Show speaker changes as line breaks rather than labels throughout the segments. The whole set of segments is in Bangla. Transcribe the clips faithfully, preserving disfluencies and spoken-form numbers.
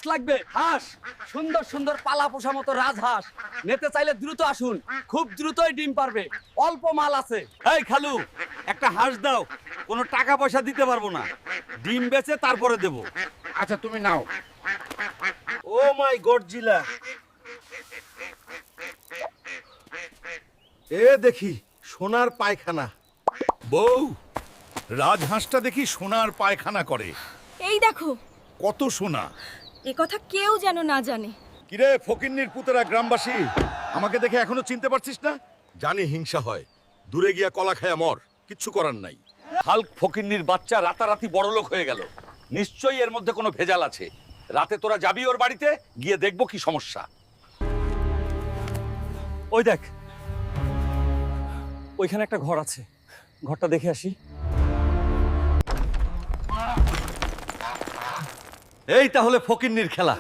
হাঁস লাগবে, হাঁস। সুন্দর সুন্দর পালা পোষা মতো রাজহাঁস। নিতে চাইলে দ্রুত আসুন, খুব দ্রুতই ডিম পারবে, অল্প মাল আছে।
এই খালু, একটা হাঁস দাও, কোনো টাকা পয়সা দিতে পারবো না, ডিম বেচে তারপরে দেব।
আচ্ছা তুমি নাও।
ও মাই গডজিলা, এ দেখি সোনার পায়খানা।
বউ, রাজহাঁসটা দেখি সোনার পায়খানা করে।
এই দেখো,
কত সোনা!
এ কথা কেউ যেন না জানে।
কিরে ফকিন্নির পুতেরা গ্রামবাসী, আমাকে দেখে এখনো চিনতে পারছিস না? জানি হিংসা হয়, দূরে গিয়া কলা খায়া মর, কিচ্ছু করার নাই।
হাল্ক ফকিন্নির বাচ্চা রাতারাতি বড়লোক হয়ে গেল, নিশ্চয়ই এর মধ্যে কোনো ভেজাল আছে। রাতে তোরা যাবি ওর বাড়িতে, গিয়ে দেখবো কি সমস্যা।
ওই দেখ, ওইখানে একটা ঘর আছে, ঘরটা দেখে আসি।
এই তাহলে ফকিন্নির খেলা।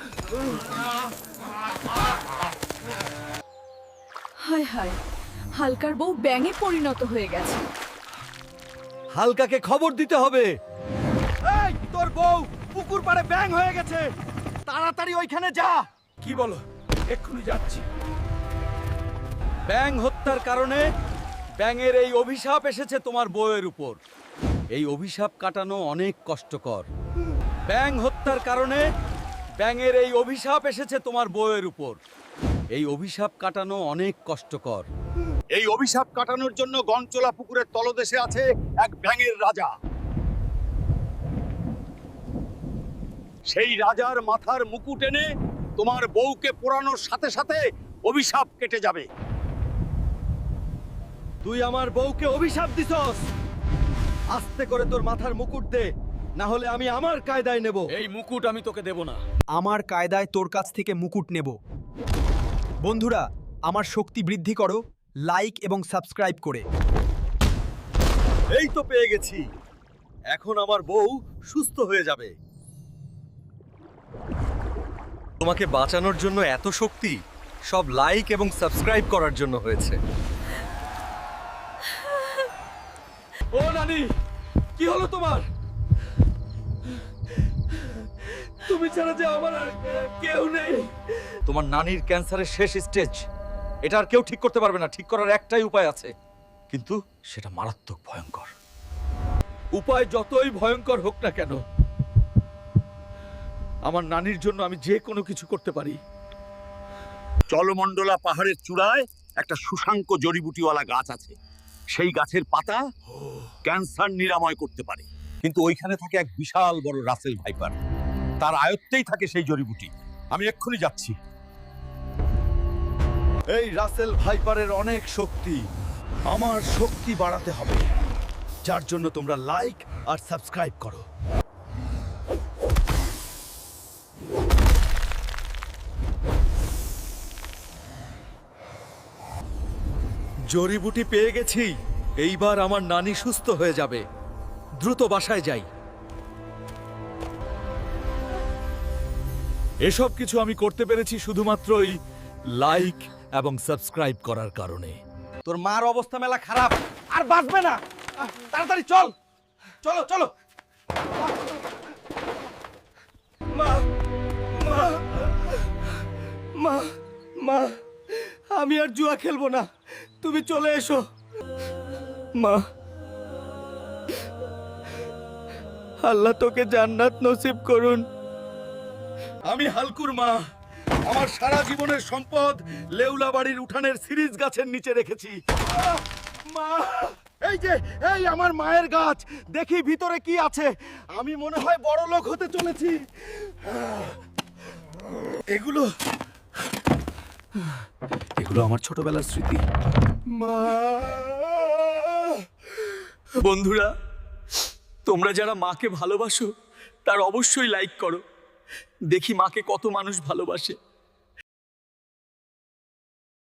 হায় হায়, হালকার বউ ব্যাঙে পরিণত হয়ে গেছে।
হালকাকে খবর দিতে হবে। এই তোর বউ পুকুর পাড়ে ব্যাং হয়ে গেছে, তাড়াতাড়ি ওইখানে যা।
কি বলো? এক্ষুনি যাচ্ছি।
ব্যাং হত্যার কারণে ব্যাঙের এই অভিশাপ এসেছে তোমার বউয়ের উপর। এই অভিশাপ কাটানো অনেক কষ্টকর। ব্যাং হত্যার কারণে ব্যাঙের এই অভিশাপ এসেছে তোমার বউয়ের উপর। এই অভিশাপ কাটানো অনেক কষ্টকর।
এই অভিশাপ কাটানোর জন্য গঞ্চলা পুকুরের তলদেশে আছে এক ব্যাঙের রাজা। সেই রাজার মাথার মুকুট এনে তোমার বউকে পোড়ানোর সাথে সাথে অভিশাপ কেটে যাবে।
তুই আমার বউকে অভিশাপ দিছস, আস্তে করে তোর মাথার মুকুট দে, না হলে আমি আমার কায়দায় নেব।
এই মুকুট আমি তোকে দেব না।
আমার কায়দায় তোর কাছ থেকে মুকুট নেব। বন্ধুরা, আমার শক্তি বৃদ্ধি করো লাইক এবং সাবস্ক্রাইব করে।
এই তো পেয়ে গেছি, এখন আমার বউ সুস্থ হয়ে যাবে। তোমাকে বাঁচানোর জন্য এত শক্তি সব লাইক এবং সাবস্ক্রাইব করার জন্য হয়েছে।
ও নানি, কি হলো তোমার? তুমি ছাড়া যে আমার আর কেউ নেই।
তোমার নানির ক্যান্সারের শেষ স্টেজ, এটা আর কেউ ঠিক করতে পারবে না। ঠিক করার একটাই উপায় আছে, কিন্তু সেটা মারাত্মক ভয়ঙ্কর।
উপায় যতই ভয়ঙ্কর হোক না কেন, আমার নানির জন্য আমি যে কোনো কিছু করতে পারি।
চলমণ্ডলা পাহাড়ের চূড়ায় একটা সুশাঙ্ক জড়িবুটিওয়ালা গাছ আছে। সেই গাছের পাতা ক্যান্সার নিরাময় করতে পারে। কিন্তু ওইখানে থাকে এক বিশাল বড় রাসেল ভাইপার, তার আয়ত্তেই থাকে সেই জড়িবুটি। আমি এক্ষুনি যাচ্ছি।
এই রাসেল ভাইপারের অনেক শক্তি, আমার শক্তি বাড়াতে হবে, যার জন্য তোমরা লাইক আর সাবস্ক্রাইব করো। জড়িবুটি পেয়ে গেছি, এইবার আমার নানি সুস্থ হয়ে যাবে। দ্রুত বাসায় যাই।
এসব কিছু আমি করতে পেরেছি শুধুমাত্রই লাইক এবং সাবস্ক্রাইব করার কারণে।
তোর মার অবস্থা মেলা খারাপ, আর বাঁচবে না। তাড়াতাড়ি চল, চলো চলো।
মা মা মা মা আমি আর জুয়া খেলবো না, তুমি চলে এসো। মা, আল্লাহ তোকে জান্নাত নসিব করুন।
আমি হালকুর মা, আমার সারা জীবনের সম্পদ লেউলা বাড়ির উঠানের সিরিজ গাছের নিচে রেখেছি।
মা, এই যে এই আমার মায়ের গাছ, দেখি ভিতরে কি আছে। আমি মনে হয় বড় লোক হতে চলেছি।
এগুলো এগুলো আমার ছোটবেলার স্মৃতি।
মা,
বন্ধুরা, তোমরা যারা মাকে ভালোবাসো তার অবশ্যই লাইক করো। দেখি মাকে কত মানুষ ভালোবাসে।